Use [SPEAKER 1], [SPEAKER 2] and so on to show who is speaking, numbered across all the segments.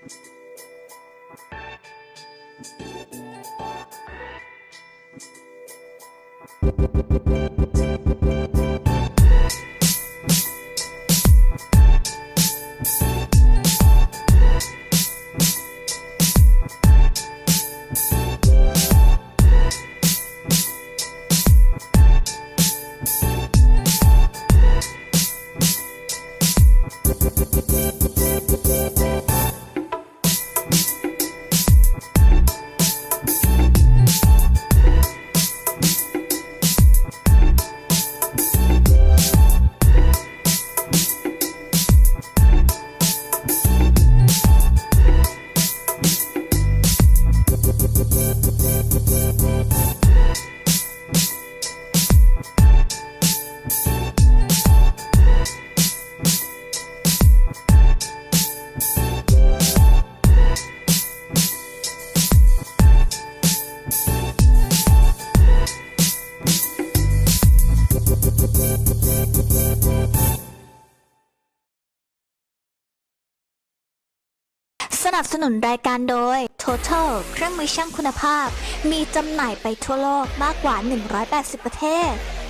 [SPEAKER 1] สนับสนุนรายการโดย Total เครื่องมือช่างคุณภาพมีจำหน่ายไปทั่วโลกมากกว่า180ประเทศ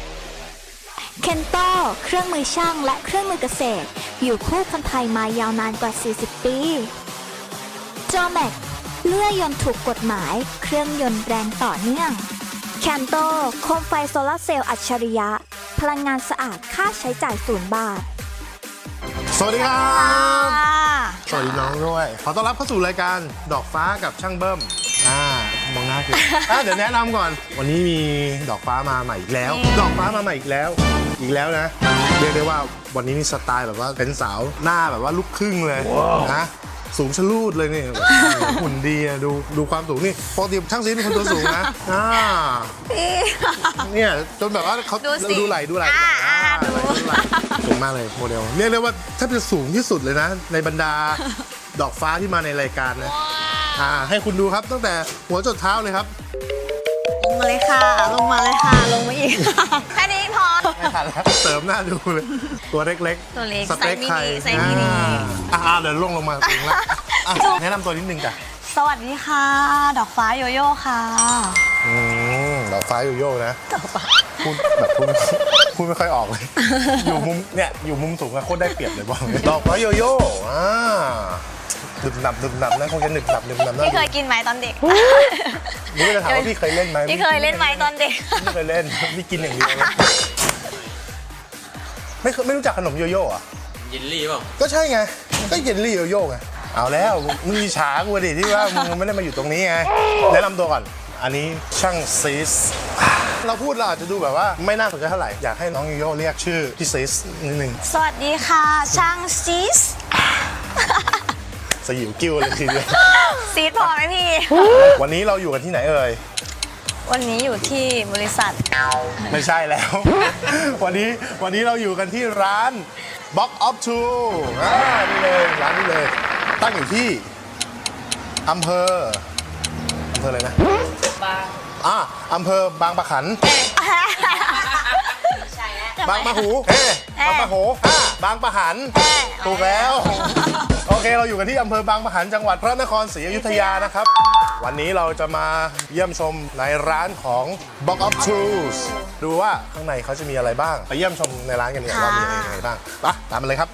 [SPEAKER 1] Kento เครื่องมือช่างและเครื่องมือเกษตรอยู่คู่คนไทยมายาวนานกว่า40ปี Jomax เลื่อยยนต์ถูกกฎหมายเครื่องยนต์แรงต่อเนื่อง Kanto โคมไฟโซลาร์เซลล์อัจฉริยะพลังงานสะอาดค่าใช้จ่าย0 บาท
[SPEAKER 2] สวัสดีครับ สวัสดีน้องด้วย ขอต้อนรับเข้าสู่รายการดอกฟ้ากับช่างเบิ้มมองหน้าคือ เดี๋ยวแนะนำก่อน วันนี้มีดอกฟ้ามาใหม่อีกแล้ว ดอกฟ้ามาใหม่อีกแล้วนะ เรียกได้ว่าวันนี้นี่สไตล์แบบว่าเป็นสาวหน้าแบบว่าลูกครึ่งเลยนะสูงชะลูดเลยนี่หุ่นดีอะดูความสูงนี่ปกติช่างซีเป็นคนตัวสูงนะเนี่ยจนแบบว่าเขาดูไหล่สูงมากเลยโมเดลเรียกได้ว่าถ้าเป็นสูงที่สุดเลยนะ ในบรรดาดอกฟ้าที่มาในรายการนะให้คุณดูครับตั้งแต่หัวจนเท้าเลยครับ
[SPEAKER 3] ลงมาเลยค่ะลงมาอีกแค่นี้พอ
[SPEAKER 2] ไม่ทันแล้วเสริมหน้าดูเลยตัวเล็ก
[SPEAKER 3] สเต็กไข่ไซส์มินิ
[SPEAKER 2] เดี๋ยวลงมาถึงแล้วแนะนำตัวนิดนึงจ้ะ
[SPEAKER 3] สวัสดีค่ะดอกฟ้าโยโย่ค่ะ
[SPEAKER 2] ดอกฟ้าโยโย่นะพูดแบบพูดไม่ค่อยออกเลยอยู่มุมสูงอะโคตรได้เปรียบเลยบอกเลยดอกฟ้าโยโย่ดึบหนับนะคงจะดึบหนับ
[SPEAKER 3] พี่เคยกินไหมตอนเด็ก
[SPEAKER 2] นี่จะถามว่าพี่เคยเล่นไหม
[SPEAKER 3] พี่เคยเล่นไหมตอนเด็ก
[SPEAKER 2] ไม่เคยเล่นพี่กินอย่างเดียวไม่รู้จักขนมโยโย่อะ
[SPEAKER 4] เยลลี่เปล่า
[SPEAKER 2] ก็ใช่ไงก็เยลลี่โยโย่ไงเอาแล้วมึงฉากูดิที่ว่ามึงไม่ได้มาอยู่ตรงนี้ไงแนะนำตัวก่อนอันนี้ช่างซีสเราพูดเราอาจจะดูแบบว่าไม่น่าสนใจเท่าไหร่อยากให้น้องโยโย่เรียกชื่อพี่ซีสนิดนึง
[SPEAKER 3] สวัสดีค่ะช่างซีส
[SPEAKER 2] สยิวกิ้วเลยทีเดียว
[SPEAKER 3] ซีดพอไหมพี่
[SPEAKER 2] วันนี้เราอยู่กันที่ไหนเอ่ย
[SPEAKER 3] วันนี้อยู่ที่บริษัท
[SPEAKER 2] ไม่ใช่แล้ว วันนี้เราอยู่กันที่ร้าน Box of Two นี่เลยร้านนี้เลยตั้งอยู่ที่อำเภออะไรนะอำเภอบางปะขันบางปะหูบางปะโหบางปะหันถูกแล้วโอเคเราอยู่กันที่อำเภอบางปะหันจังหวัดพระนครศรีอยุธยานะครับวันนี้เราจะมาเยี่ยมชมในร้านของ Box of Tools ดูว่าข้างในเขาจะมีอะไรบ้างไปเยี่ยมชมในร้านกันเนี่ยว่ามีอะไรบ้างตามมาเลยครับ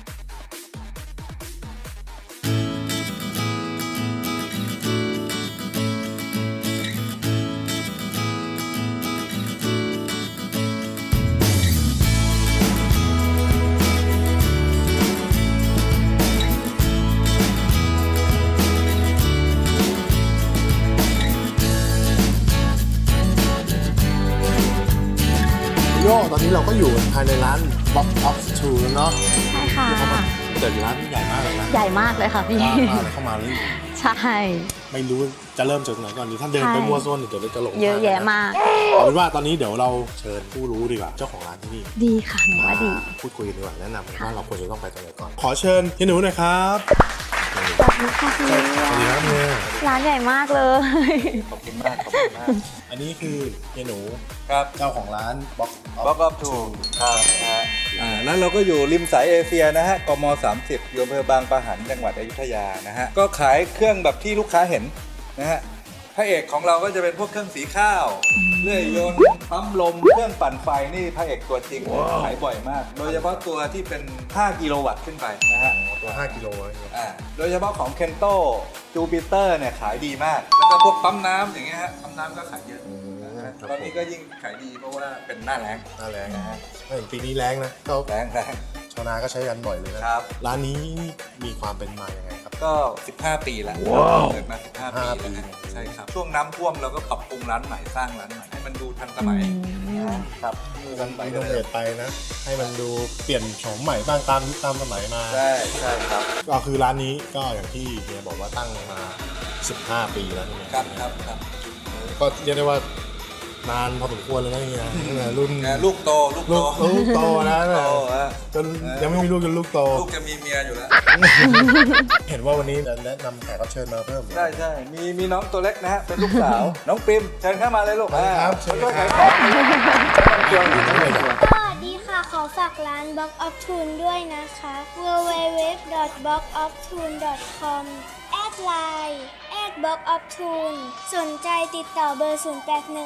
[SPEAKER 2] ตอนนี้เราก็อยู่ภายในร้าน Box of Two แล้วเนาะ
[SPEAKER 3] ใช่ค่ะ
[SPEAKER 2] แต่ร้านใหญ่มากเลยนะ
[SPEAKER 3] ใหญ่มากเลยค่ะพี่
[SPEAKER 2] เข้ามาเลย
[SPEAKER 3] ใช่
[SPEAKER 2] ไม่รู้จะเริ่มจากไหนก่อนดีถ้าเดินไปมั่วซั่วเดี๋ยวจะหลง
[SPEAKER 3] เยอะแยะมาก
[SPEAKER 2] เอาเป็นว่าตอนนี้เดี๋ยวเราเชิญผู้รู้ดีกว่าเจ้าของร้านที่นี่
[SPEAKER 3] ดีค่ะหนูว่าดี
[SPEAKER 2] พูดคุยกันดีกว่าแนะนำว่าเราควรจะต้องไปตรงไหนก่อนขอเชิญพี่หนูหน่อยครับ
[SPEAKER 3] สวัสดีค่ะพี่
[SPEAKER 2] สวัสดีครับเนี่ย
[SPEAKER 3] ร้านใหญ่มากเลย
[SPEAKER 4] ขอบคุณมากขอบคุณมาก
[SPEAKER 2] อันนี้คือเฮียหนู
[SPEAKER 4] ครับ
[SPEAKER 2] เจ้าของร้าน Box
[SPEAKER 4] Box of Two ครับแล้วเราก็อยู่ริมสายเอเชียนะฮะกม30อยู่อำเภอบางปะหันจังหวัดอยุธยานะฮะก็ขายเครื่องแบบที่ลูกค้าเห็นนะฮะพระเอกของเราก็จะเป็นพวกเครื่องสีข้าวเลื่อยยนต์ปั๊มลมเครื่องปั่นไฟนี่พระเอกตัวจริงขายบ่อยมาก โดยเฉพาะตัวที่เป็น5กิโลวัตต์ขึ้นไปนะฮะ
[SPEAKER 2] ตัว 5 กิโลนะ
[SPEAKER 4] โดยเฉพาะของ Kento Jupiter เนี่ยขายดีมาก แล้วก็พวกปั๊มน้ำอย่างเงี้ยฮะปั๊มน้ำก็ขายเยอะนะฮะตอนนี้ก็ยิ่งขายดีเพราะว่าเป็นหน้าแล้ง
[SPEAKER 2] หน้าแรง
[SPEAKER 4] นะฮะ
[SPEAKER 2] เห็นปีนี้แรงนะก็
[SPEAKER 4] แรง
[SPEAKER 2] ชาวนาก็ใช้กันบ่อยเลยนะครับ ร้านนี้มีความเป็นมาอย่างไงครับ
[SPEAKER 4] ก็ 15 ปีแล้วเปิดมา 15 ปีแล้วนะใช่ครับช่วงน้ำท่วมเราก็ปรับปรุงร้านใหม่สร้างร้านใหม่ให้มันดูทันสมัยครับทันสมัย
[SPEAKER 2] ต้องเปลี่ยนไปนะ ให้มันดูเปลี่ยนโฉมใหม่บ้างตามยุคตามสมัยมา
[SPEAKER 4] ใช่ครับ
[SPEAKER 2] ก็คือร้านนี้ก็อย่างที่เฮียบอกว่าตั้งมา 15 ปีแล้วใช่ไหม
[SPEAKER 4] ครับ
[SPEAKER 2] ก็เรียกได้ว่านานพอสมควรเลยนะเฮียตั้งแต่รุ่น
[SPEAKER 4] ลูกโต
[SPEAKER 2] ลูกโตนะ
[SPEAKER 4] โตฮะ
[SPEAKER 2] จนยังไม่มีลูกจนลูกโต
[SPEAKER 4] ลูกจะมีเมียอยู่แล้ว
[SPEAKER 2] เห็นว่าวันนี้จะแนะนำแขกรับเชิญมาเพิ่ม
[SPEAKER 4] ใช่มีน้องตัวเล็กนะฮะเป็นลูกสาว น้องปริมเชิญเข้ามาเลยลูก
[SPEAKER 2] ครับ
[SPEAKER 4] ช่วยขายของช่วยขายของ
[SPEAKER 5] สวัสดีค่ะ ขอฝากร้าน Box of Tune ด้วยนะคะ www.boxoftune.com แอดไลน์ @boxoftune สนใจติดต่อเบอร์ 0815768675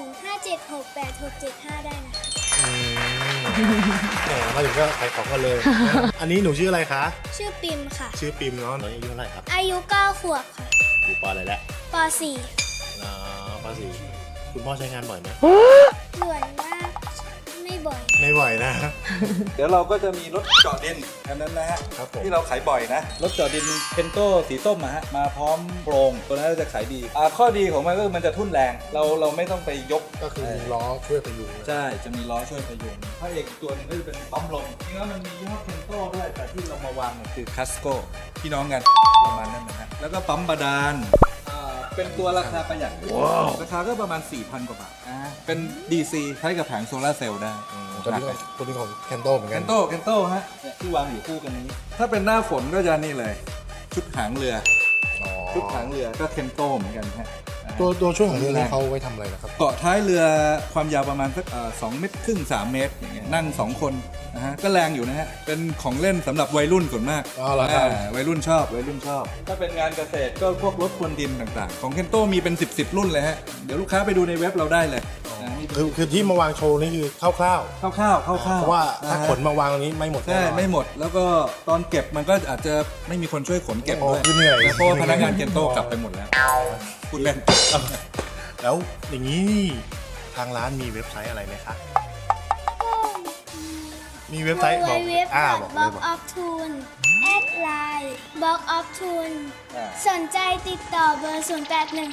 [SPEAKER 5] ได้นะคะ
[SPEAKER 2] แหมมาถึงก็ขายของกันเลย อันนี้หนูชื่ออะไรคะ
[SPEAKER 5] ชื่อปิมค่ะ
[SPEAKER 2] ชื่อปิมเนาะหนูอายุเท่าไหร่ครับ
[SPEAKER 5] อายุ 9 ขวบค่ะ
[SPEAKER 2] อยู่ปอะไรแล้ว
[SPEAKER 5] ป .4
[SPEAKER 2] ปสี่คุณพ่อใช้งานบ่อยไหม
[SPEAKER 5] ส่วนมากไม่บ่อย
[SPEAKER 2] ไม่บ่อยนะ
[SPEAKER 4] เดี๋ยวเราก็จะมีรถเจาะดินอันนั้นนะฮะ
[SPEAKER 2] ครับผม
[SPEAKER 4] ที่เราขายบ่อยนะ รถเจาะดินเคนโตสีส้มอะฮะมาพร้อมโปรงตัวนั้นเราจะขายดีข้อดีของมันก็คือมันจะทุ่นแรง เราไม่ต้องไปยก
[SPEAKER 2] ก็คือมีล้อช่วยพยุงนะ
[SPEAKER 4] ใช่จะมีล้อช่วยพยุงพระเอกอีกตัวหนึงก็จะเป็นปั๊มลมจริงๆแล้วมันมียี่ห้อเคนโตด้วยแต่ที่เรามาวางเนี่ยคือคัสโกพี่น้องกันประมาณนั้นนะฮะแล้วก็ปั๊มบาดาลเป็นตัวราคาประหยัดราคาก็ประมาณ 4,000 กว่าบาทเป็น DC ใช้กับแผงโซลาร์เซลล์ได้
[SPEAKER 2] ตัวนี้ของแคนโตเหมือน
[SPEAKER 4] เคน
[SPEAKER 2] กัน
[SPEAKER 4] โตฮะเนี่ยที่วางอยู่คู่กันนี้ ถ้าเป็นหน้าฝนก็จะนี่เลย ชุดหางเรือ
[SPEAKER 2] อ๋อ
[SPEAKER 4] ชุดหางเรือก็เคนโตเหมือนกันฮะ
[SPEAKER 2] ตัวช่วงของเรือนี้เขาไว้ทำอะไรนะครับ
[SPEAKER 4] เกาะท้ายเรือความยาวประมาณสัก2 เมตรครึ่ง 3 เมตรอย่างเงี้ยนั่ง 2 คนนะฮะก็แรงอยู่นะฮะเป็นของเล่นสำหรับวัยรุ่นส่วนมาก
[SPEAKER 2] อ๋อเหรอครับ
[SPEAKER 4] วัยรุ่นชอบถ้าเป็นงานเกษตรก็พวกรถพรวนดินต่างๆ ของเคนโตมีเป็น 10 รุ่นเลยฮะเดี๋ยวลูกค้าไปดูในเว็บเราได้เลยนะนี่
[SPEAKER 2] คือที่มาวางโชว์นี่คือคร่าว
[SPEAKER 4] คร่าวๆ
[SPEAKER 2] ๆเพราะว่าถ้าขนมาวางตรงนี้ไม่หมด
[SPEAKER 4] ใช่
[SPEAKER 2] แน่นอน
[SPEAKER 4] ไม่หมดแล้วก็ตอนเก็บมันก็อาจจะไม่มีคนช่วยขนเก็บด้วย
[SPEAKER 2] โอ้เหนื่อย
[SPEAKER 4] นะเพราะว่าพนักงานเคนโตกลับไปหมดแล้วพูดเล่น
[SPEAKER 2] แล้วอย่างนี้นี่ทางร้านมีเว็บไซต์อะไรไหมคะมีเว็บไซต์บอกบอกเลยบอก
[SPEAKER 5] www.boxoftune แอดไลน์ Box of Tune
[SPEAKER 4] อ่า
[SPEAKER 5] สนใจติดต่อเบอร์ 0815768675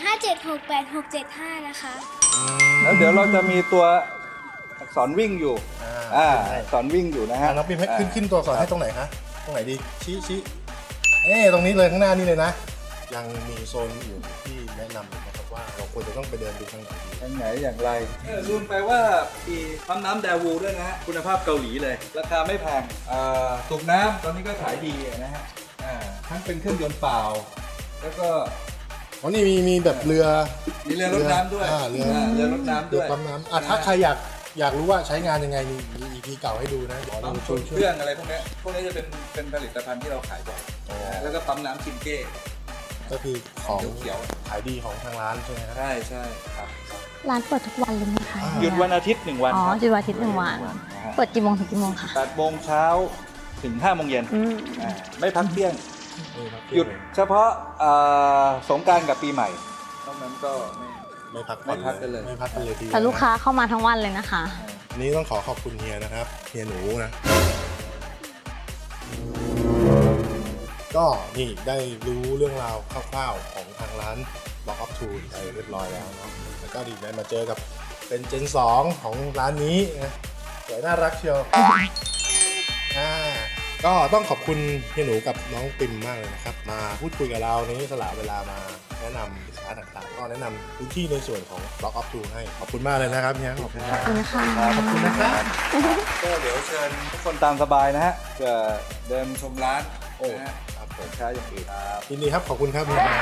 [SPEAKER 5] นะคะ
[SPEAKER 4] แล้วเดี๋ยวเราจะมีตัวอักษรวิ่งอยู่
[SPEAKER 2] ใช่
[SPEAKER 4] อักษรวิ่งอยู่นะฮะ
[SPEAKER 2] น้องปิมให้ขึ้นตัวสอนให้ตรงไหนคะตรงไหนดีชี้ตรงนี้เลยข้างหน้านี่เลยนะ ยังมีโซนอยู่ที่แนะนำอยู่นะครับว่าเราควรจะต้องไปเดินดูทางไหนดี
[SPEAKER 4] ทางไหนอย่างไรลืมไปว่ามีปั๊มน้ำแดวูด้วยนะฮะคุณภาพเกาหลีเลย ราคาไม่แพงสูบน้ำตอนนี้ก็ขายดีนะฮะทั้งเป็นเครื่องยนต์เปล่า แล้วก็
[SPEAKER 2] อ๋อนี่มีแบบเรือ
[SPEAKER 4] มีเรือรถน้ำด้วย
[SPEAKER 2] เรือ
[SPEAKER 4] เรือรถน้ำ
[SPEAKER 2] เรือ
[SPEAKER 4] ด้วย
[SPEAKER 2] ปั๊มน้ำถ้าใครอยากรู้ว่าใช้งานยังไงมี EP เก่าให้ดูนะเดี๋ยว
[SPEAKER 4] ปั๊
[SPEAKER 2] เรา
[SPEAKER 4] ม
[SPEAKER 2] ช่วย
[SPEAKER 4] เครื่องอะไรพวกนี้จะเป็นผลิตภัณฑ์ที่เราขายบ่อย
[SPEAKER 2] อ๋อ
[SPEAKER 4] แล้วก็ปั๊มน้ำชินเก้
[SPEAKER 2] ก็คือของ
[SPEAKER 4] เขียว
[SPEAKER 2] ขายดีของทางร้านใช่ไหมครับ
[SPEAKER 4] ใช่ครับ
[SPEAKER 3] ร้านเปิดทุกวันเลยไหมคะ
[SPEAKER 4] หยุดวันอาทิตย์1 วัน
[SPEAKER 3] อ๋อ
[SPEAKER 4] ครับ
[SPEAKER 3] หยุดวันอาทิตย์1 วัน เปิดกี่โมงถึงกี่โมงคะ
[SPEAKER 4] 8 โมงเช้าถึง 5 โมงเย็น
[SPEAKER 3] อืม
[SPEAKER 4] ไม่พักเที่ยง
[SPEAKER 2] นี่ครับ
[SPEAKER 4] หยุดเฉพาะสงกรานต์กับปีใหม่นอกนั้นก็ไม่
[SPEAKER 2] ไม่พัก
[SPEAKER 4] ไม่พักกันเลย
[SPEAKER 2] ไม่พักกันเลยทีเดียว
[SPEAKER 3] แต่ลูกค้าเข้ามาทั้งวันเลยนะคะ
[SPEAKER 2] อันนี้ต้องขอบคุณเฮียนะครับเฮียหนูนะ ก็นี่ได้รู้เรื่องราวคร่าวๆของทางร้าน Box of Two ไปเรียบร้อยแล้วเนาะแล้วก็ดีได้มาเจอกับเป็นเจน 2 ของร้านนี้นะสวยน่ารักเชียวก็ต้องขอบคุณเฮียหนูกับน้องปิมมากเลยนะครับ มาพูดคุยกับเราในนี้สละเวลามาแนะนำสินค้าต่างๆ ก็แนะนำพื้นที่ในส่วนของ Box of Two ให้ขอบคุณมากเลยนะครับเฮียขอบคุณครับ
[SPEAKER 3] ขอบคุณค่ะ
[SPEAKER 2] ขอบคุณนะครับ
[SPEAKER 4] ก็เดี๋ยวเชิญทุกคนตามสบายนะฮะจะเดินชมร้าน
[SPEAKER 2] โอ้
[SPEAKER 4] นะฮะ
[SPEAKER 2] ครับ
[SPEAKER 4] เปิดช้าอย่างอื่นครับ
[SPEAKER 2] ยินดีครับขอบคุณครับ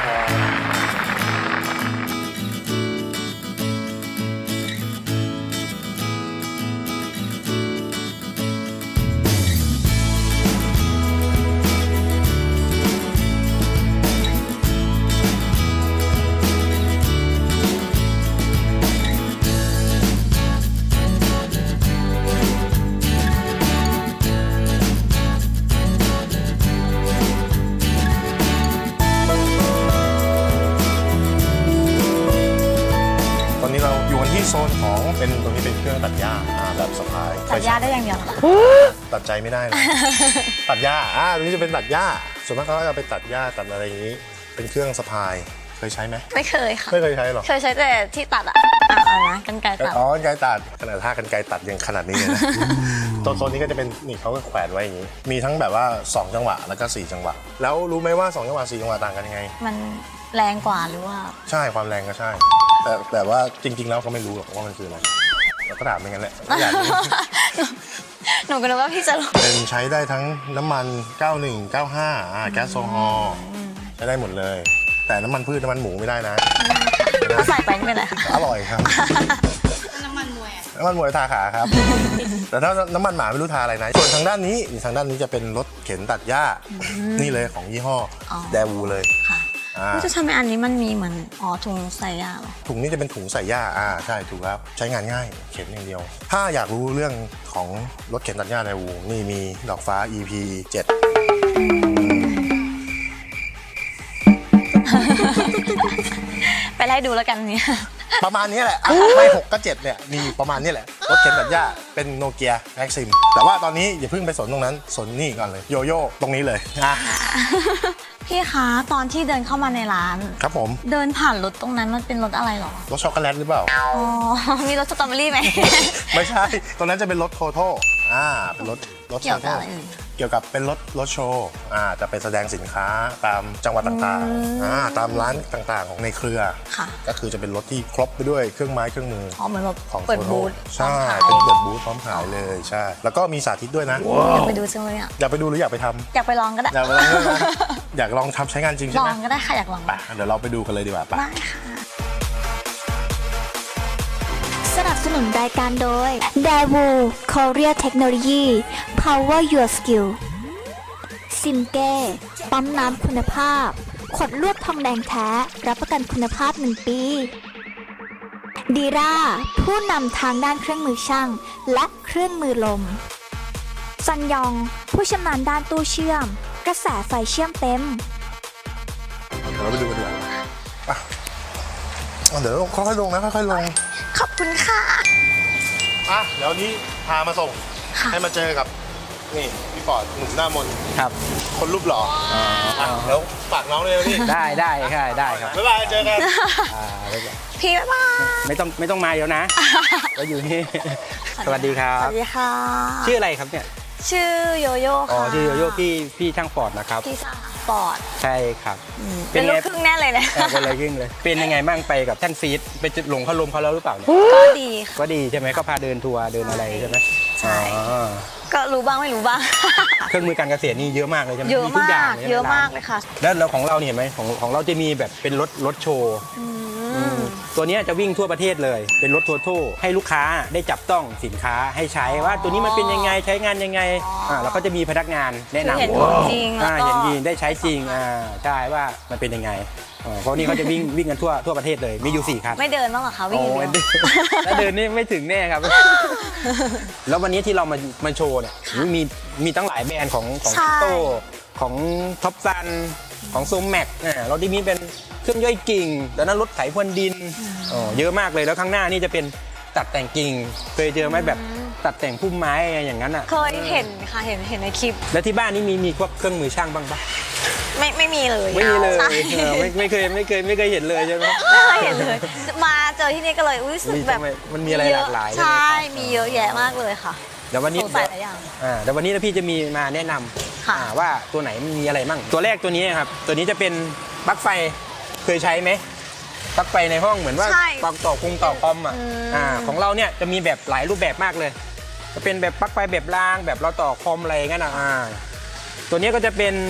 [SPEAKER 2] ตอนนี้เราอยู่กันที่โซนของเป็นตรงนี้เป็นเครื่องตัดหญ้าแบบสะพาย
[SPEAKER 3] ตัดหญ้าได้อย่างเดียวเหรอคะ
[SPEAKER 2] ตัดใจไม่ได้เลย ตัดหญ้าตรงนี้จะเป็นตัดหญ้าส่วนมากเขาก็จะไปตัดหญ้าตัดอะไรอย่างนี้ เป็นเครื่องสะพายเคยใช้ไหม
[SPEAKER 3] ไม่เคยค่ะ
[SPEAKER 2] ไม่เคยใช้หรอ
[SPEAKER 3] เคยใช้แต่ที่ตัดอะอะไรนะกรรไกรตัด
[SPEAKER 2] อ๋อกรรไกรตัดขนาดท่ากรรไกรตัดยังขนาดนี้เลยนะ โซนนี้ก็จะเป็นนี่เขาก็แขวนไว้อย่างนี้ มีทั้งแบบว่า2จังหวะแล้วก็4จังหวะแล้วรู้ไหมว่า2จังหวะ4จังหวะต่างกันยังไง
[SPEAKER 3] มันแรงกว่าหรือว่า
[SPEAKER 2] ใช่ความแรงก็ใช่ แต่ว่าจริง ๆ แล้วเขาไม่รู้หรอกว่ามันคืออะไรเราก็ถามไปงั้นแหละอยากรู้
[SPEAKER 3] หนูก็นึกว่าพี่จะรู้
[SPEAKER 2] เป็นใช้ได้ทั้งน้ำมัน 91 95แก๊สโซฮอล์ใช้ได้หมดเลย แต่น้ำมันพืชน้ำมันหมูไม่ได้นะ
[SPEAKER 3] ใส่ไปไม่เป็นไรค่ะ
[SPEAKER 2] อร่อยครับ น้ำมันมวยทาขาครับ แต่ถ้าน้ำมันหมาไม่รู้ทาอะไรนะ ส่วนทางด้านนี้จะเป็นรถเข็นตัดหญ้านี่เลยของยี่ห้อแดวูเลย
[SPEAKER 3] ค่ะจะทำไมอันนี้มันมีเหมือนถุงใส่ยาเหรอ
[SPEAKER 2] ถุงนี้จะเป็นถุงใส่หญ้าใช่ถูกครับใช้งานง่ายเข็นอย่างเดียว ถ้าอยากรู้เรื่องของรถเข็นตัดหญ้าแดวูนี่มีดอกฟ้า EP 7
[SPEAKER 3] ไปไล่ดูแล้วกันเนี่ย
[SPEAKER 2] ประมาณนี้แหละไม่6ก็7เนี่ยมีประมาณนี้แหละรถเข็นตัดหญ้าเป็นโนเกียแม็กซิมแต่ว่าตอนนี้อย่าเพิ่งไปสนตรงนั้นสนนี่ก่อนเลยโยโย่ตรงนี้เลย
[SPEAKER 3] พี่คะตอนที่เดินเข้ามาในร้าน
[SPEAKER 2] ครับผม
[SPEAKER 3] เดินผ่านรถตรงนั้นมันเป็นรถอะไรหรอ
[SPEAKER 2] รถช็อกโกแลตหรือเปล่า
[SPEAKER 3] มีรถสตรอเบอรี่ไหม
[SPEAKER 2] ไม่ใช่ตรงนั้นจะเป็นรถโทโต้เป็นรถ
[SPEAKER 3] เกี่ยวกับอะไรเอ่ย
[SPEAKER 2] เกี่ยวกับเป็นรถโชว์จะไปแสดงสินค้าตามจังหวัดต่างๆตามร้านต่างๆของในเครือ
[SPEAKER 3] ค่ะ
[SPEAKER 2] ก็คือจะเป็นรถที่ครบไปด้วยเครื่องไม้เครื่องมือ
[SPEAKER 3] เหมือนแบบ
[SPEAKER 2] ของ
[SPEAKER 3] เปิดบูธ
[SPEAKER 2] ใช่เป็นเปิดบูธพร้อมขายเลยใช่แล้วก็มีสาธิตด้วยนะ
[SPEAKER 3] อยากไปดูจังเลยอ่ะ
[SPEAKER 2] อยากไปดูหรืออยากไปทำ
[SPEAKER 3] อยากไปลองก็ได้
[SPEAKER 2] อยากไปลองด้วยนะอยากลองทำใช้งานจริง
[SPEAKER 3] ล
[SPEAKER 2] ใช่ไห
[SPEAKER 3] อ
[SPEAKER 2] ม
[SPEAKER 3] งก็ได้ค่ะอยากลอง
[SPEAKER 2] ไปเดี๋ยวเราไปดูกันเลยดีกว่าไป
[SPEAKER 3] ได้ค่ะ
[SPEAKER 1] สนับสนุนรายการโดย Daewoo Korea Technology Power Your Skill ซิมเก้ปั๊มน้ำคุณภาพ ขวดลวดทองแดงแท้ รับประกันคุณภาพ1 ปีดีราผู้นำทางด้านเครื่องมือช่าง และเครื่องมือลมซันยอง ผู้ชำนาญด้านตู้เชื่อม กระแสไฟเชื่อมเต็ม
[SPEAKER 2] เดี๋ยวเราไปดูกันดีกว่าเดี๋ยวค่อยๆลงนะค่อยๆลง
[SPEAKER 3] ขอบคุณค่ะ
[SPEAKER 2] เดี๋ยวนี้พามาส่งให้มาเจอกับนี่พี่ปอดหนุ่มหน้ามน
[SPEAKER 6] ครับ
[SPEAKER 2] คนรูปหล่อเดี๋ยวฝากน้องเลยนะพี่
[SPEAKER 6] ได้ค่ะได้ครับ
[SPEAKER 2] บ๊ายบายเจอกัน
[SPEAKER 3] พี่บ๊ายบาย
[SPEAKER 6] ไม่ต้องมาเดี๋ยวนะ ก็อยู่นี่ สวัสดีครั
[SPEAKER 3] ส
[SPEAKER 6] บ
[SPEAKER 3] วัสดีค่ะ
[SPEAKER 6] ชื่ออะไรครับเนี่ย
[SPEAKER 3] ชื่อโยโย่
[SPEAKER 6] อ๋อ
[SPEAKER 3] ค่ะ
[SPEAKER 6] ชื่อโยโย่พี่ช่างปอดนะครับ
[SPEAKER 3] พี่สาวปอด
[SPEAKER 6] ใช่ครับ
[SPEAKER 3] เป็นลูกครึ่งแน่เลยนะ
[SPEAKER 6] เป็นอะไรยิ่งเลย เป็นยังไงบ้างไปกับช่างซีดไปหลงเขาลมเขาแล้วหรือเปล่าเนี่ย
[SPEAKER 3] ก็ดีค่ะ
[SPEAKER 6] ก็ดีใช่ไหมก็พาเดินทัวร์เดินอะไรใช่ไหม
[SPEAKER 3] ใช่
[SPEAKER 6] อ๋อ
[SPEAKER 3] ก็รู้บ้างไม่รู้บ้าง
[SPEAKER 6] เครื่องมือการเกษตรนี่เยอะมากเลยใช่ไหม
[SPEAKER 3] เยอะ
[SPEAKER 6] ทุก
[SPEAKER 3] มา
[SPEAKER 6] อย่าง
[SPEAKER 3] ก
[SPEAKER 6] ลใช่ไห
[SPEAKER 3] เยอะมากเลยค่ะ
[SPEAKER 6] แล้วของเราเนี่ยเห็นไหมของเราจะมีแบบเป็นรถโชว์ตัวเนี้ยจะวิ่งทั่วประเทศเลย เป็นรถทัวร์โต้ให้ลูกค้าได้จับต้องสินค้าให้ใช้ว่าตัวนี้มันเป็นยังไงใช้งานยังไงแล้วก็จะมีพนักงานแนะนำ
[SPEAKER 3] คือเห็นผลจริงแล้วก็
[SPEAKER 6] เห็นจริงได้ใช้จริงใช่ว่ามันเป็นยังไงเพราะนี่เขาจะวิ่งกันทั่วประเทศเลยมีอยู่4คัน
[SPEAKER 3] ไม่เดินบ้างเหรอคะวิ่งอย่างเดียว
[SPEAKER 6] ถ้าเดินนี่ไม่ถึงแน่ครับ แล้ววันนี้ที่เรามาโชว์เนี่ยมีตั้งหลายแบรนด์ของ
[SPEAKER 3] ใช่
[SPEAKER 6] โต้ของท็อปซันของโซมแม็กเราที่มีเป็นเครื่องย่อยกิ่งแล้วนั้นรถไถพรวนดินเยอะมากเลยแล้วข้างหน้านี่จะเป็นตัดแต่งกิ่งเคยเจอไหมแบบตัดแต่งพุ่มไม้อะไรอย่างนั้นอ่ะ
[SPEAKER 3] เคยเห็นค่ะเห็นในคลิป
[SPEAKER 6] แล้วที่บ้านนี่มีพวกเครื่องมือช่างบ้างปะ
[SPEAKER 3] ไม่มีเลย
[SPEAKER 6] ไม่มีเลย
[SPEAKER 3] ใช่
[SPEAKER 6] ไม่เคยเห็นเลยใช่ไหม
[SPEAKER 3] ไม่เคยเห็นเลย มาเจอที่นี่ก็เลยรู้สึกแบบ
[SPEAKER 6] มันมีอะไรหลากหลาย
[SPEAKER 3] ใช่
[SPEAKER 6] ไหมครับ
[SPEAKER 3] มีเยอะแยะมากเลยค่ะ
[SPEAKER 6] เดี๋ยววันนี้
[SPEAKER 3] สงสัยหลายอย่าง
[SPEAKER 6] เดี๋ยววันนี้พี่จะมีมาแนะนำ
[SPEAKER 3] ค่ะ
[SPEAKER 6] ว่าตัวไหนมันมีอะไรมั่งตัวแรกตัวนี้ครับตัวนี้จะเป็นปลั๊กไฟเคยใช้ไหมปลั๊กไฟในห้องเหมือนว่า
[SPEAKER 3] ใช่
[SPEAKER 6] ปลั๊กต่อคอมของเราเนี่ยจะมีแบบหลายรูปแบบมากเลย จะเป็นแบบปลั๊กไฟแบบรางแบบเราต่อคอมอะไรงั้นตัวนี้ก็จะเป็น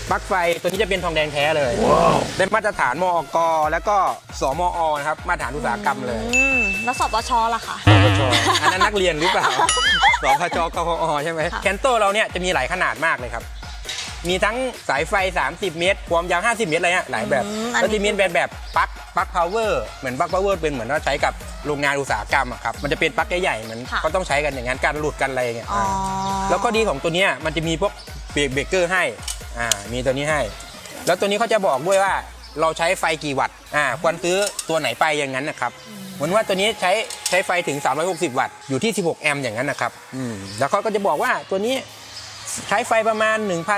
[SPEAKER 6] ปลั๊กไฟตัวนี้จะเป็นทองแดงแท้เลยได้มาตรฐานมอก.แล้วก็สมอ.นะครับมาตรฐานอุตสาหกรรมเลย
[SPEAKER 3] แล้วสปชล่ะคะ
[SPEAKER 6] สพชอันนั้นนักเรียนหรือเปล่า สพชกพอใช่ไหมแคนโตเราเนี่ยจะมีหลายขนาดมากเลยครับ มีทั้งสายไฟ 30 เมตร ความยาว 50 เมตรอะไรเงี้ยหลายแบบแล้วจะมีแบบปลั๊กพาวเวอร์เหมือนปลั๊กพาวเวอร์เป็นเหมือนว่าใช้กับโรงงานอุตสาหกรรมอะครับมันจะเป็นปลั๊กใหญ่ๆเหมือนเขาต้องใช้กันอย่างนั้นการหลุดกันอะไรเงี้ยแล้วก็ดีของตัวเนี้ยมันจะมีพวกเบรกเกอร์ให้มีตัวนี้ให้ แล้วตัวนี้เขาจะบอกด้วยว่าเราใช้ไฟกี่วัตต์ควรซื้อตัวไหนไปอย่างนั้นนะครับเหมือนว่าตัวนี้ใช้ไฟถึง360 วัตต์อยู่ที่16 แอมป์อย่างนั้นนะครับแล้วเขาก็จะบอกว่าตัวนี้ใช้ไฟประมาณ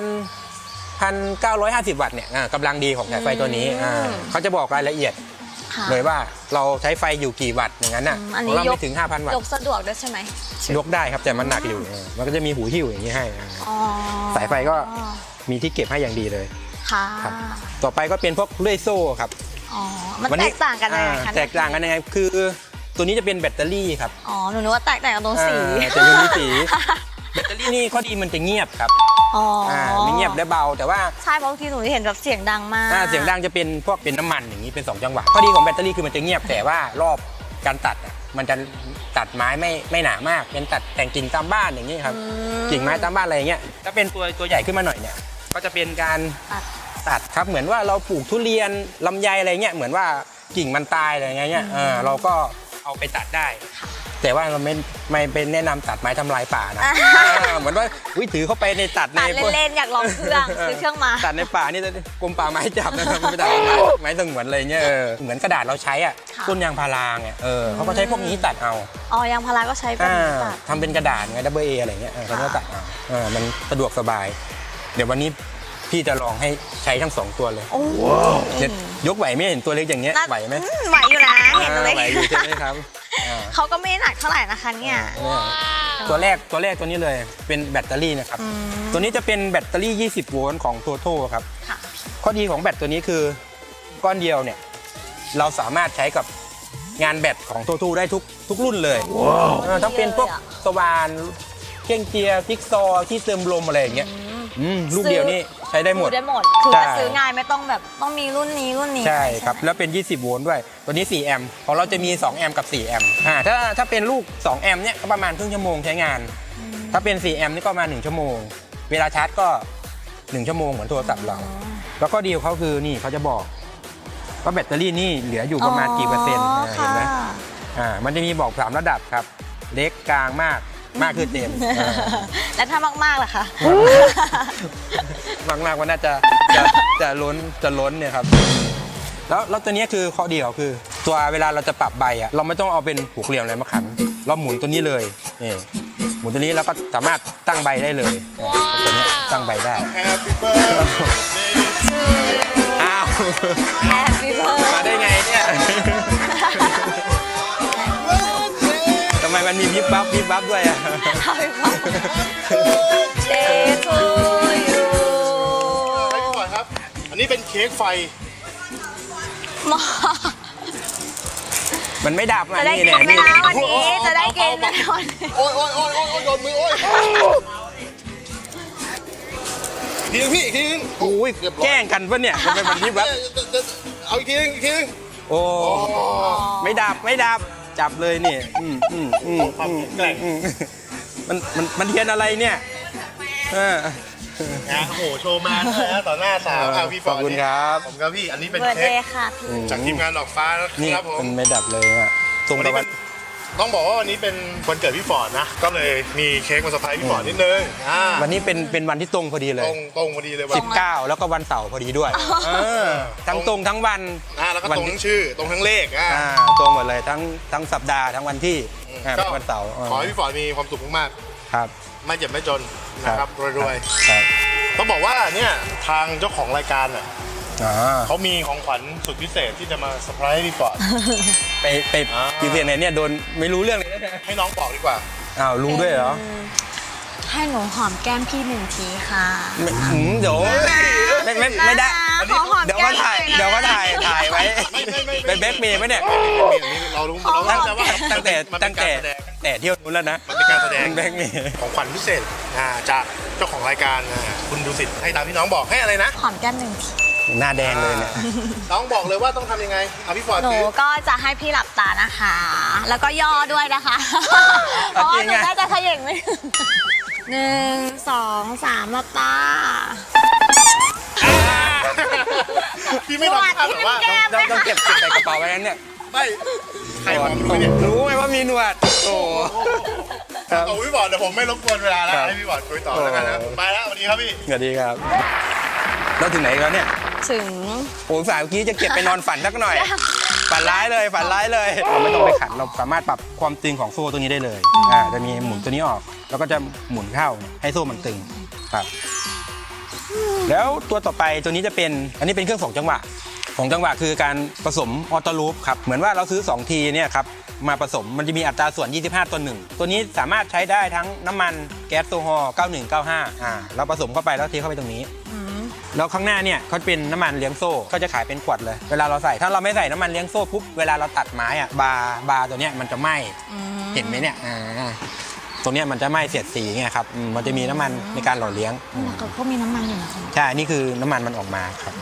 [SPEAKER 6] 1,950 วัตต์เนี่ยกำลังดีของสายไฟตัวนี้เขาจะบอกรายละเอียดเลยว่าเราใช้ไฟอยู่กี่วัตต์อย่างนั้นน่ะของเราไม่ถึง 5,000 วัตต์
[SPEAKER 3] ยกสะดวกด้วยใช่ไหม
[SPEAKER 6] ยกได้ครับแต่มันหนักอยู่มันก็จะมีหูหิ้วอย่างนี้ให้สายไฟก็มีที่เก็บให้อย่างดีเลย
[SPEAKER 3] ค่ะ
[SPEAKER 6] ครับต่อไปก็เป็นพวกเลื่อยโซ่ครับ
[SPEAKER 3] มันแตกต่างกันยังไงคะ
[SPEAKER 6] แตกต่างกันยังไงคือตัวนี้จะเป็นแบตเตอรี่ครับ
[SPEAKER 3] หนูนึกว่าแตกต่างกันตรงสี
[SPEAKER 6] แต่ตัวนี้สีแบตเตอรี่นี่ข้อดีมันจะเงียบครับไม่เงียบและเบาแต่ว่า
[SPEAKER 3] ใช่เพราะบางทีหนูเห็นแบบเสียงดังมาก
[SPEAKER 6] เสียงดังจะเป็นพวกเป็นน้ำมันอย่างนี้เป็น2 จังหวะข้อดีของแบตเตอรี่คือมันจะเงียบแต่ว่ารอบการตัดมันจะตัดไม้ไม่หนามากเป็นตัดแต่งกิ่งตามบ้านอย่างนี้ครับกิ่งไม้ตามบ้านอะไรอย่างเงี้ยถ้าเป็นตัวใหญ่ขึ้นมาหน่อยเนี่ยก็จะเป็นการตัดครับเหมือนว่าเราปลูกทุเรียนลำไยอะไรเงี้ยเหมือนว่ากิ่งมันตายอะไรเงี้ยเราก็เอาไปตัดได้แต่ว่าเราไม่เป็นแนะนำตัดไม้ทำลายป่านะเหมือนว่าถือเข้าไปในตัดใน
[SPEAKER 3] เล่นๆอยากลองเครื่องซื้อเครื่องมา
[SPEAKER 6] ตัดในป่านี่กรมป่าไม้จับนะครับไม่ตัดไม้สงวนอะไรเงี้ยเหมือนกระดาษเราใช้ต้นยางพาราไงเขาก็ใช้พวกนี้ตัดเอา
[SPEAKER 3] ยางพาราก็ใช้เป็นตัด
[SPEAKER 6] ทำเป็นกระดาษไงAAอะไรเงี้ยเขาก็ตัดเอามันสะดวกสบายเดี๋ยววันนี้พี่จะลองให้ใช้ทั้ง2 ตัวเลยยกไหวไหมเห็นตัวเล็กอย่างเงี้ยไหวไหม
[SPEAKER 3] ไหวอยู่นะเห็นตัวเล็ก
[SPEAKER 6] ไหวอยู่ใช่ไหมครับ
[SPEAKER 3] เขาก็ไม่หนักเท่าไหร่นะคะเนี่ย
[SPEAKER 6] ตัวแรกตัวนี้เลยเป็นแบตเตอรี่นะครับตัวนี้จะเป็นแบตเตอรี่20 โวลต์ของโทโทครับข้อดีของแบตตัวนี้คือก้อนเดียวเนี่ยเราสามารถใช้กับงานแบตของโทโทได้ทุกรุ่นเลยถ้าเป็นพวกสว่านเครื่องเจียร์พิกซอที่เติมลมอะไรอย่างเงี้ยลูกเดียวนี่ใช้ได้หมด
[SPEAKER 3] คือจะซื้อง่ายไม่ต้องแบบต้องมีรุ่นนี้
[SPEAKER 6] ใช่ครับแล้วเป็น20 โวลต์ด้วยตัวนี้4 แอมป์ของเราจะมี2 แอมป์กับ4 แอมป์ถ้าเป็นลูก2 แอมป์เนี่ยก็ประมาณครึ่งชั่วโมงใช้งานถ้าเป็น4 แอมป์นี่ก็ประมาณ1 ชั่วโมงเวลาชาร์จก็1 ชั่วโมงเหมือนโทรศัพท์เราแล้วก็ดีของเขาคือนี่เขาจะบอกว่าแบตเตอรี่นี่เหลืออยู่ประมาณกี่เปอร์เซ็นต์เห็นไหมมันจะมีบอก3 ระดับครับเล็กกลางมากคือเต็ม
[SPEAKER 3] แล้วถ้ามากๆล่ะคะ
[SPEAKER 6] มากๆว่าน่าจะล้นเนี่ยครับแล้วตัวนี้คือข้อดีของคือตัวเวลาเราจะปรับใบเราไม่ต้องเอาเป็นผูกเหลี่ยมอะไรมาขันเราหมุนตัวนี้เลยนี่หมุนตัวนี้แล้วก็สามารถตั้งใบได้เลยตัวนี้ตั้งใบได้อ้าว
[SPEAKER 3] Happy birthday
[SPEAKER 6] มาได้ไงเนี่ยทำไมมันมีวิบวับด้วย
[SPEAKER 3] Day to you
[SPEAKER 2] ให้พี่ก่อนครับอันนี้เป็นเค้กไฟ
[SPEAKER 6] มันไม่ดับ
[SPEAKER 3] จะได้กินไหมนะวันนี้จะได้กินไหมวันนี้
[SPEAKER 2] โอ้ยโดนมือโอ้ยทีนึงพี่ทีนึง
[SPEAKER 6] โอ้ยแกล้งกันปะเนี่ยทำไมมันวิบวับ
[SPEAKER 2] เอาอีกทีนึง
[SPEAKER 6] โอ้ไม่ดับจับเลยนี่
[SPEAKER 2] ความแกร่ง
[SPEAKER 6] มันเทียนอะไรเนี่ย
[SPEAKER 2] โอ้โหโชว์มาต่อหน้าสาวพี่ฟอร์ด
[SPEAKER 6] ขอบคุณครับ
[SPEAKER 2] ผมครับพี่อันนี้เป็น
[SPEAKER 3] เค้
[SPEAKER 2] เค้ก
[SPEAKER 3] ค่ะ
[SPEAKER 2] จากทีมงานดอกฟ้านะครับผม
[SPEAKER 6] มันไม่ดับเลยตรงตะวัน
[SPEAKER 2] ต้องบอกว่าวันนี้เป็นวันเกิดพี่ฟอร์ดนะก็เลยมีเค้กมาเซอร์ไพรส์พี่ฟอร์ดนิดนึง
[SPEAKER 6] วันนี้เป็นวันที่ตรงพอดีเลย
[SPEAKER 2] ตรงพอดีเลย
[SPEAKER 6] 19แล้วก็วันเสาร์พอดีด้วยทั้งตรงทั้งวัน
[SPEAKER 2] แล้วก็ตรงทั้งชื่อตรงทั้งเลข
[SPEAKER 6] ตรงหมดเลยทั้งสัปดาห์ทั้งวันที่วันเสาร์
[SPEAKER 2] ขอให้พี่ฟอร์ดมีความสุขมาก
[SPEAKER 6] ๆครับ
[SPEAKER 2] ไม่เจ็บไม่จนนะครับรวยๆต้องบอกว่าเนี่ยทางเจ้าของรายการเขามีของขวัญสุดพิเศษที่จะมาเซอร์ไพรส์พี่ฟอร์ด
[SPEAKER 6] ไปพิเศษไหนเนี่ยโดนไม่รู้เรื่องเลย
[SPEAKER 2] ให้น้องบอกดีกว่า
[SPEAKER 6] รู้ด้วยเหรอ
[SPEAKER 3] ให้หนูหอมแก้มพี่1 ทีค่ะ
[SPEAKER 6] เดี๋ยวไม่ได้เดี๋ยวก็ถ่ายไว้ไปแบ็คเมย์ไหมเนี่ย
[SPEAKER 2] เรารู้ตั้งแต่
[SPEAKER 6] แต่เที่ยวนู้นแล้วนะ
[SPEAKER 2] มันเป็นการแสดง
[SPEAKER 6] แบงค์นี่
[SPEAKER 2] ของขวัญพิเศษจากเจ้าของรายการคุณดูสิให้ตามที่น้องบอกให้อะไรนะ
[SPEAKER 3] หอมแก้มหนึ่งที
[SPEAKER 6] หน้าแดงเลยเนี่ย
[SPEAKER 2] น้องบอกเลยว่าต้องทำยังไงเอาพี่ฟอร์ด
[SPEAKER 3] หนู
[SPEAKER 2] ซื้อ
[SPEAKER 3] ก็จะให้พี่หลับตานะคะ แล้วก็ย่อด้วยนะคะเพ
[SPEAKER 6] เอา
[SPEAKER 3] ราะ
[SPEAKER 6] จริ
[SPEAKER 3] ว่าง หนู
[SPEAKER 6] อะ
[SPEAKER 3] น่าจะเขย่งไม่ถึง1 2 3หลับตา
[SPEAKER 2] พี่ไม่ทำท่าแบบว่า
[SPEAKER 3] แก้ม
[SPEAKER 6] ต้องเก็บใส่กระเป๋าไว้นั้นเนี่ย
[SPEAKER 2] ไม่ใครบอกรู้เนี่ย
[SPEAKER 6] รู้ไหมว่ามีหนวดโอ้ครับ
[SPEAKER 2] เอาพี่บอร์ดเดี๋ยวผมไม่รบกวนเวลาแล้ว
[SPEAKER 6] ครับ
[SPEAKER 2] ให้พี่บอร์ดคุยต่อแล้วกันนะไปแล้วสวัสดีครับพี่
[SPEAKER 6] สวัสดีครับเราถึงไหนแล้วเนี่ย
[SPEAKER 3] ถึง
[SPEAKER 6] โอ้สายเมื่อกี้จะเก็บไปนอนฝันสักหน่อย ฝันร้ายเลยฝันร้ายเลยเราไม่ต้องไปขันเราสามารถปรับความตึงของโซ่ตัวนี้ได้เลยจะมีหมุนตัวนี้ออกแล้วก็จะหมุนเข้าให้โซ่มันตึงครับแล้วตัวต่อไปตัวนี้จะเป็นอันนี้เป็นเครื่อง2 จังหวะ2 จังหวะคือการผสมออโต้ลูปครับเหมือนว่าเราซื้อ2 ทีเนี่ยครับมาผสมมันจะมีอัตราส่วน25 ต่อ 1ตัวนี้สามารถใช้ได้ทั้งน้ำมันแก๊สโซฮอล์9195เราผสมเข้าไปแล้วเทเข้าไปตรงนี้แล้วข้างหน้าเนี่ยเขาเป็นน้ำมันเลี้ยงโซ่ก็จะขายเป็นขวดเลยเวลาเราใส่ถ้าเราไม่ใส่น้ำมันเลี้ยงโซ่ปุ๊บเวลาเราตัดไม้อะบาร์ตัวเนี้ยมันจะไหม้เห็นไหมเนี่ยตรงเนี้ยมันจะไหม้เสียดสีไงครับมันจะมีน้ำมันในการหล่อเลี้ยง
[SPEAKER 3] ก็มีน้ำมันอยู่นะ
[SPEAKER 6] ใช่นี่คือน้ำมันมันออกมาครับ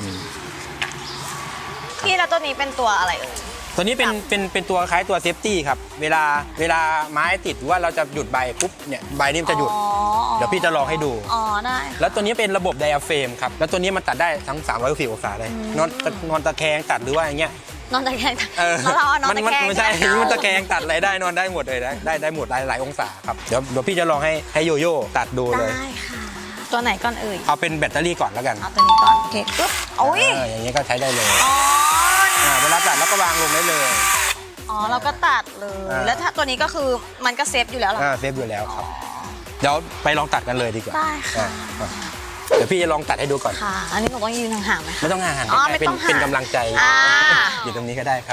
[SPEAKER 3] พี่แล้วตัวนี้เป็นตัวอะไรเอ่ย
[SPEAKER 6] ตัวนี้เป็นตัวคล้ายตัวเซฟตี้ครับเวลาไม้ติดหรือว่าเราจะหยุดใบปุ๊บเนี่ยใบนี้มันจะหยุดเดี๋ยวพี่จะลองให้ดู
[SPEAKER 3] อ๋อได้
[SPEAKER 6] แล้วตัวนี้เป็นระบบไดอะเฟรมครับแล้วตัวนี้มันตัดได้ทั้ง360องศาเลยนอนตะแคงตัดหรือว่าอย่างเงี้ย
[SPEAKER 3] นอนตะแคงแล้วเรานอนตะแคง
[SPEAKER 6] ไม่ใช่มันตะแคงตัดอะไรได้นอนได้หมดเลยได้หมดหลายองศาครับเดี๋ยวพี่จะลองให้โยโย่ตัดดูเลย
[SPEAKER 3] ได้ค่ะ ตัวไหนก่อนเอ่ย
[SPEAKER 6] เอาเป็นแบตเตอรี่ก่อนแล้วกัน
[SPEAKER 3] เอาตัวนี้ก่อนโอเคปึ๊บโอ้ย
[SPEAKER 6] อย่างนี้ก็ใช้ได้เลย
[SPEAKER 3] อ๋อ
[SPEAKER 6] เวลาตัดแล้วก็วางลงได้เลย
[SPEAKER 3] อ๋อเราก็ตัดเลย แล้วถ้าตัวนี้ก็คือมันก็เซฟอยู่แล้วเหรอ
[SPEAKER 6] เซฟอยู่แล้วครับเดี๋ยวไปลองตัดกันเลยดีกว่า
[SPEAKER 3] ได้ค่ะ
[SPEAKER 6] เดี๋ยวพี่จะลองตัดให้ดูก่อน
[SPEAKER 3] ค่ะ อันนี้หนูต้องยืนห่างๆไหมคะ
[SPEAKER 6] ไม่ต้องห่าง
[SPEAKER 3] อ๋อ
[SPEAKER 6] ๆ
[SPEAKER 3] ไม่
[SPEAKER 6] เป็น
[SPEAKER 3] ต้องห่าง
[SPEAKER 6] เป็นกำลังใจ
[SPEAKER 3] อ่า
[SPEAKER 6] อยู่ตรงนี้ก็ได้ครับ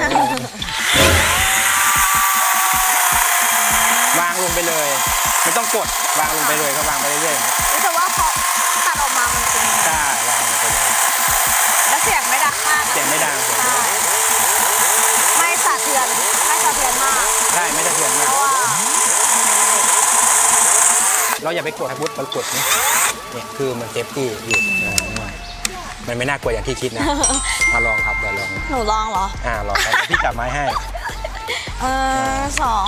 [SPEAKER 6] วางลงไปเลย ไม่ต้องกดวางลงไปเลยก็วางไปเรื่อยๆ
[SPEAKER 3] รู้สึกว่าพอตัดออกมามันเป็น
[SPEAKER 6] ใช่วางลงไปเลย
[SPEAKER 3] แล้วเสียงไม่ดังมาก
[SPEAKER 6] เสียงไม่ดังเสียงไม่ดัง
[SPEAKER 3] ไม่สะเทือนมาก
[SPEAKER 6] ใช่ไม่ได้เสียงมากเราอย่าไปกดพุทธมันกดนี่เนี่ยคือมันเซฟตี้อยู่มันไม่น่ากลัวอย่างที่คิดนะมาลองครับเดี๋ยวลอง
[SPEAKER 3] หนูลองเหรอ
[SPEAKER 6] ลองครับพี่จับไม้ให้
[SPEAKER 3] สอง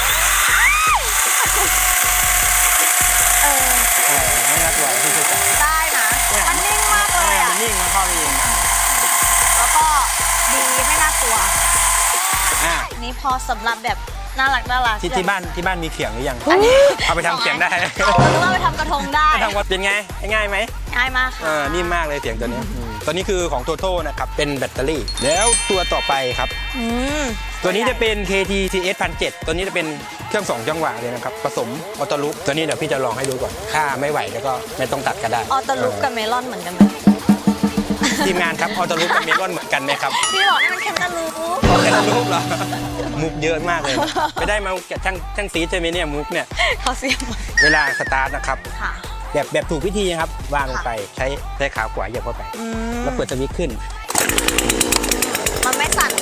[SPEAKER 6] ไม่น่ากลัวที่จะจับ
[SPEAKER 3] ได้นะมันนิ่งมากเลยอ่ะ
[SPEAKER 6] มันนิ่งมันเข้าไปเอง
[SPEAKER 3] แล้วก็ดีไม่น่ากลัว
[SPEAKER 6] อ่า
[SPEAKER 3] นี่พอสำหรับแบบน่ารัก
[SPEAKER 6] ที่บ้านมีเขียงหรือยัง
[SPEAKER 3] อันนี้
[SPEAKER 6] เอาไปทำเขียงได้
[SPEAKER 3] หรือว่าไปทำกระทงได้
[SPEAKER 6] ไปทำว่าเป็นไงง่ายไหม
[SPEAKER 3] ง่ายมากค่ะ
[SPEAKER 6] นิ่มมากเลยเสียงตัวนี้ตัวนี้คือของ Toto นะครับเป็นแบตเตอรี่แล้วตัวต่อไปครับ ตัวนี้จะเป็น KTCS 1007ตัวนี้จะเป็นเครื่อง2 จังหวะเลยนะครับผสมออโต้ลุกตัวนี้เดี๋ยวพี่จะลองให้ดูก่อนถ้าไม่ไหวแล้วก็ไม่ต้องตัดก็ได้
[SPEAKER 3] ออโต้ลุกกับเมลอนเหมือนกันไหม
[SPEAKER 6] ทีมงานครับออโต้ลุกกับเมลอนเหมือนกันไหมครับ
[SPEAKER 3] พี่บอกนี่มันแค่ตะลุก
[SPEAKER 6] แค่รูปเหรอมุกเยอะมากเลยไม่ได้มาแกะช่างสีใช่ไหมเนี่ยมุกเนี่ย
[SPEAKER 3] เขาเสียงมา
[SPEAKER 6] เวลาสตาร์ทนะครับ
[SPEAKER 3] ค่ะ
[SPEAKER 6] แบบถูกวิธีครับวางลงไปใช้ขาขวาเหยียบเข้าไปแล้วเปิดสวิตช์ขึ้น
[SPEAKER 3] มันไม่สั่น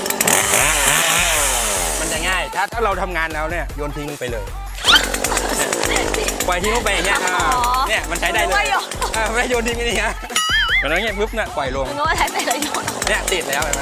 [SPEAKER 6] มันจะง่ายถ้าเราทำงานแล้วเนี่ยโยนทิ้งลงไปเลยปล่อยทิ้งลงไปอย่างเงี้ยเนี่ยมันใช้ได้เลยไม่โยนทิ้งนี่ฮะเวลาเงี้ยปุ๊บเนี่ยปล่อยลง
[SPEAKER 3] นึกว่าใช้แต่ละโยน
[SPEAKER 6] เนี่ยติดแล้วเห็นไหม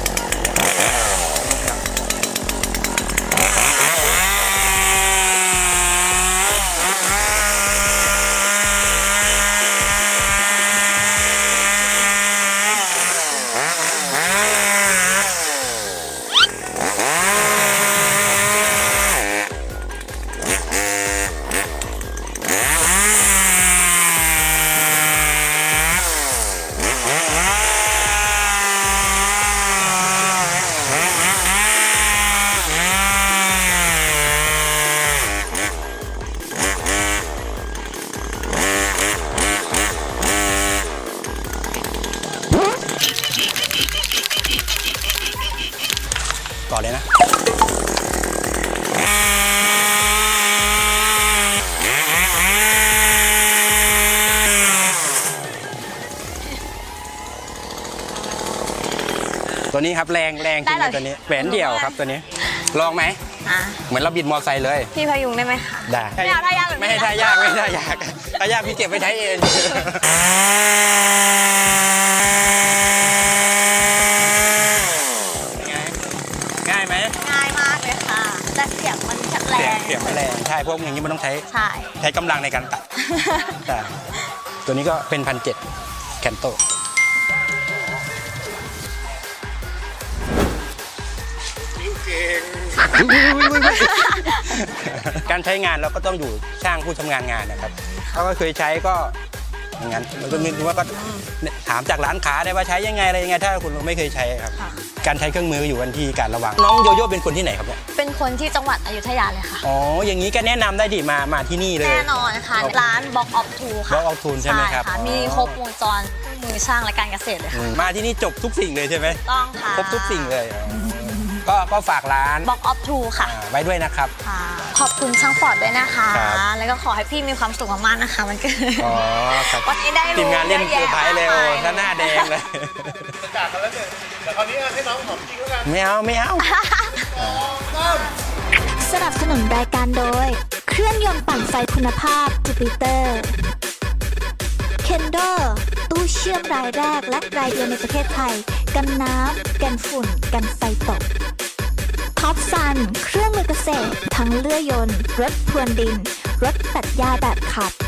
[SPEAKER 6] ต่อเลยนะตัวนี้ครับแรงจริงๆตัวนี้แหวนเดี่ยวครับตัวนี้ลองไหม
[SPEAKER 3] อ่ะ
[SPEAKER 6] เหมือนเราบิดมอไซค์เลย
[SPEAKER 3] พี่พยุงได้ไหมคะ
[SPEAKER 6] ได้
[SPEAKER 3] ไม่เอาท่ายากหรือ
[SPEAKER 6] ไม่ให้ท่ายากไม่ให้ท่ายากท่ายากพี่เก็บไว้ใช้เอง ง่ายไหม
[SPEAKER 3] ง่ายมากเลยค่ะ แต่เสียงมันจะแร
[SPEAKER 6] เสียง
[SPEAKER 3] ง
[SPEAKER 6] ไม่แรงใช่พวกอย่างนี้มันต้องใช้
[SPEAKER 3] ใช่
[SPEAKER 6] ใช้กำลังในการตัดใช่ตัวนี้ก็เป็น1,700แคนโตการใช้งานเราก็ต้องอยู่ช่างผู้ชำนาญงานนะครับถ้าก็เคยใช้ก็อย่างนั้นมันก็มีว่าก็ถามจากร้านค้าได้ว่าใช้ยังไงอะไรยังไงถ้าคุณไม่เคยใช้ครับ การใช้เครื่องมืออยู่กันที่การระวังน้องโยโย่เป็นคนที่ไหนครับเนี่ย
[SPEAKER 3] เป็นคนที่จังหวัดอยุธยาเลยค่ะ
[SPEAKER 6] อ๋ออย่างนี้ก็แนะนำได้ดิมาที่นี่เลย
[SPEAKER 3] แน่นอนค่ะ ร้าน Box of Two ค่ะ
[SPEAKER 6] Box of Two ใช่ไหมครับ
[SPEAKER 3] ค่ะ
[SPEAKER 6] อ๋อ
[SPEAKER 3] มีครบวงจรเครื่องมือช่างและการเกษตรเลยค่ะ
[SPEAKER 6] มาที่นี่จบทุกสิ่งเลยใช่ไหม
[SPEAKER 3] ต้องค่ะ
[SPEAKER 6] ครบทุกสิ่งเลยก็ฝากร้าน
[SPEAKER 3] Box of Two ค่ะ
[SPEAKER 6] ไว้ด้วยนะครับ
[SPEAKER 3] ค่ะ ขอบคุณช่างฟอร์ดด้วยนะคะ
[SPEAKER 6] ครับ
[SPEAKER 3] แล้วก็ขอให้พี่มีความสุขมากๆนะคะมันเกิด
[SPEAKER 6] อ๋อครับ
[SPEAKER 3] วันนี้ได้รู้
[SPEAKER 6] ทีมงานเล่น
[SPEAKER 3] เยอะ
[SPEAKER 6] เซอ
[SPEAKER 3] แยะ
[SPEAKER 6] ร์ไพรส์เลยโอ้
[SPEAKER 3] มากมาย
[SPEAKER 6] ถ้าหน้าแดงเลย
[SPEAKER 2] จากกันแล้วเนี่ยแต่คราวนี้ให้น้องหอมจริงแล้วกัน
[SPEAKER 6] ไม่เอา
[SPEAKER 1] สนับสนุนรายการโดย เครื่องยนต์ปั่นไฟคุณภาพจูปิเตอร์เคนโดตู้เชื่อมรายแรกและรายเดียวในประเทศไทย กันน้ำ กันฝุ่น กันไฟตกท็อปซันเครื่องมือเกษตร ทั้งเลื่อยยนต์ รถพรวนดิน รถตัดหญ้าแบบขับ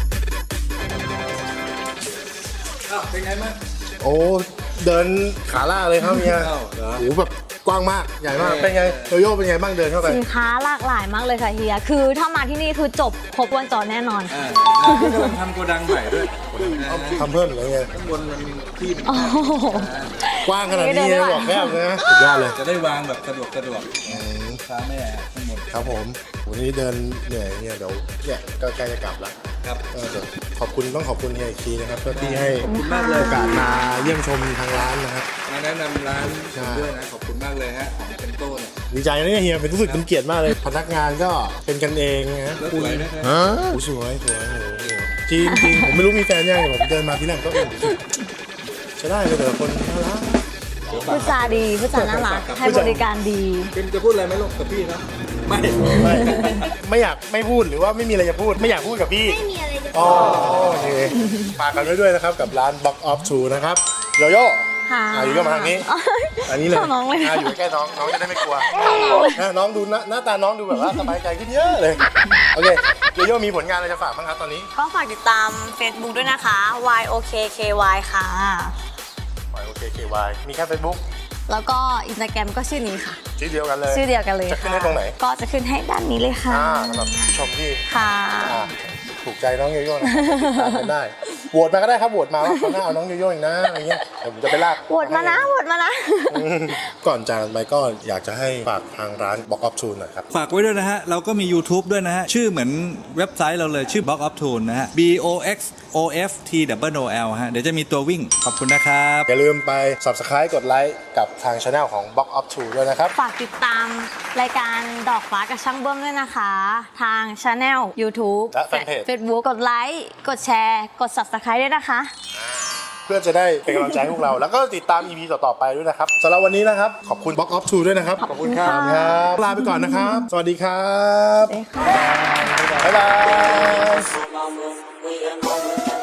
[SPEAKER 4] เป็นไงบ้าง
[SPEAKER 2] โอ้เดินขาล่าเลยครับเฮีย
[SPEAKER 4] อ้าวเหรอ
[SPEAKER 2] โอ้แบบกว้างมากใหญ่มากเป็นไงโยโย่เป็นไงบ้างเดินเข้าไป
[SPEAKER 3] สินค้าหลากหลายมากเลยค่ะเฮีย คือถ้ามาที่นี่คือจบครบวงจรแน่นอนค่ะ
[SPEAKER 4] พี่กำลังทำโกดังใหม่ด้วย
[SPEAKER 2] ทำเพิ่มเหรือไง
[SPEAKER 4] ข้างบนมันมีที่
[SPEAKER 3] โอ้โห
[SPEAKER 2] กว้างขนาดนี้นะบอกแคบเลยนะสุดยอดเลย
[SPEAKER 4] จะได้วางแบบสะดวกค้าแม่ข้างบน
[SPEAKER 2] ครับผมวันนี้เดินเหนื่อยเนี่ยเดี๋ยวเนี่ยก็ใกล้จะกลับแล้ว
[SPEAKER 4] ครับ
[SPEAKER 2] เดี๋ยวขอบคุณต้องขอบคุณเฮียอีกทีนะครับที่ให้
[SPEAKER 4] ขอบคุณมากเลย
[SPEAKER 2] โอกาสมาเยี่ยมชมทางร้านนะครับ
[SPEAKER 4] มาแนะนำร้านผมด้วยนะ ขอบคุณมากเลยฮะของเซนโต้เนี่ย
[SPEAKER 2] ดีใจนะเนี่ยเฮียเป็นรู้สึกเป็นเกียรติมากเลยพนักงานก็เป็นกันเองนะ
[SPEAKER 4] แล้วสวยนะครับ
[SPEAKER 2] โอ้สวยโอ้โหจริงจริงผมไม่รู้มีแฟนยังแต่ผมเดินมาที่แรกก็ใช้ได้เลยแต่ละคนน่ารัก
[SPEAKER 3] พูดจาดีพูดจาน่ารัก ให้บริการดี
[SPEAKER 4] เป็นจะพูดอะไรไหมลูกกับพี่ครับไม่
[SPEAKER 2] ไม่อยากไม่พูดหรือว่าไม่มีอะไรจะพูดไม่อยากพูดกับพี่
[SPEAKER 5] ไม่มีอะไรจะ
[SPEAKER 2] อ๋อโอเคฝากกันไว้ด้วยนะครับกับร้าน Box of Two นะครับโยโย่
[SPEAKER 3] ค่ะ
[SPEAKER 2] อยู่ก็มาทางนี้ อันนี้เลย
[SPEAKER 3] เข้าน้องเลย
[SPEAKER 2] อยู่ใกล้น้องน้องจะได้ไม่กลัวน้องดูหน้าตาน้องดูแบบว่าสบายใจขึ้นเยอะเลยโอเคโยโย่มีผลงานอะไรจะฝากบ้างครับตอนนี้
[SPEAKER 3] ก็ฝากติดตาม Facebook ด้วยนะคะ YOKKY ค่ะ
[SPEAKER 2] โอเค KY มีแค่ Facebook
[SPEAKER 3] แล้วก็อินสตาแกรมก็ชื่อนี้ค่ะ
[SPEAKER 2] ชื่อเดียวกันเลย
[SPEAKER 3] ชื่อเดียวกันเลย
[SPEAKER 2] จะขึ้น
[SPEAKER 3] ค่ะ
[SPEAKER 2] ให้ตรงไหน
[SPEAKER 3] ก็จะขึ้นให้ด้านนี้เลยค่ะ
[SPEAKER 2] สำหรับผู้ชมที่
[SPEAKER 3] ค่ะ
[SPEAKER 2] ถูกใจน้องโยโย่นะครับติดตามกันได้โหวตมาก็ได้ครับโหวตมาว่าเขาหน้าเอาน้องโยโย่อีกนะอะไรเงี้ยเดี๋ยวผมจะไปลาก
[SPEAKER 3] โหวตมานะโหวตมานะ
[SPEAKER 2] ก่อนจากกันไปก็อยากจะให้ฝากทางร้าน Box of Two หน่อยครับ
[SPEAKER 4] ฝากไว้ด้วยนะฮะ เราก็มี YouTube ด้วยนะฮะ ชื่อเหมือนเว็บไซต์เราเลยชื่อ Box of Tune นะฮะ BOXOFTOOL ฮะ เดี๋ยวจะมีตัววิ่ง ขอบคุณนะครับ
[SPEAKER 2] อย่าลืมไป Subscribe กดไลค์กับทาง Channel ของ Box of Two ด้วยนะครับ
[SPEAKER 3] ฝากติดตามรายการดอกฟ้ากับช่างเบิ้มด้วยนะคะ ทาง Channel YouTube
[SPEAKER 2] และ Fanpage
[SPEAKER 3] Facebook กดไลค์กดแชร์กด Subscribe ด้วยนะคะ
[SPEAKER 2] เพื่อจะได้เป็นกำลังใจให้พวกเรา แล้วก็ติดตาม EP ต่อๆไปด้วยนะครับสำหรับวันนี้นะครับ ขอบคุณ Box of Two ด้วยนะครับ
[SPEAKER 3] ขอบคุณค่ะ
[SPEAKER 2] ครับลาไปก่อนนะครับ สวัสดีครับ
[SPEAKER 3] สวัสดีค่ะ
[SPEAKER 2] บ๊ายบาย
[SPEAKER 7] Mama, we are moment